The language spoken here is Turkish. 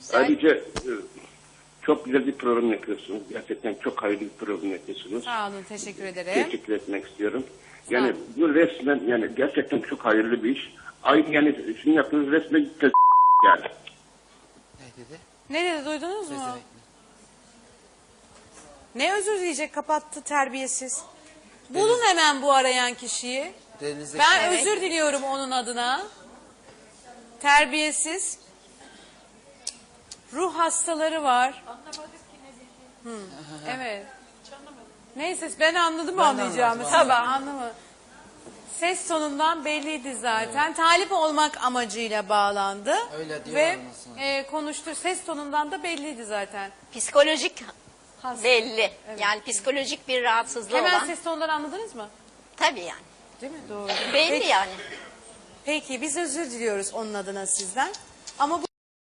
Güzel. Ayrıca çok güzel bir program yapıyorsunuz. Gerçekten çok hayırlı bir program yapıyorsunuz. Sağ olun, teşekkür ederim. Teşekkür etmek istiyorum. Yani bu resmen yani gerçekten çok hayırlı bir iş. Aynı yani sizin yaptığınız resmen yani. Ne dedi? Ne dedi, duydunuz mu? Pezevenk mi? Ne özür dileyecek, kapattı terbiyesiz. Bulun hemen bu arayan kişiyi. Denizdeki Ben Evet. özür diliyorum onun adına. Terbiyesiz. Ruh hastaları var. Evet. Neyse ben anladım Ben de anlayacağımı. anladım, Tamam. Anlamadım. Ses tonundan belliydi zaten. Talip olmak amacıyla bağlandı. Öyle diyor Ve olmasın. konuştu. Ses tonundan da belliydi zaten. Psikolojik Hasta. belli. Yani psikolojik bir rahatsızlığı Hemen olan. ses tonundan anladınız mı? Tabii yani. Değil mi? Doğru. Belli Peki, yani. peki biz özür diliyoruz onun adına sizden. Ama bu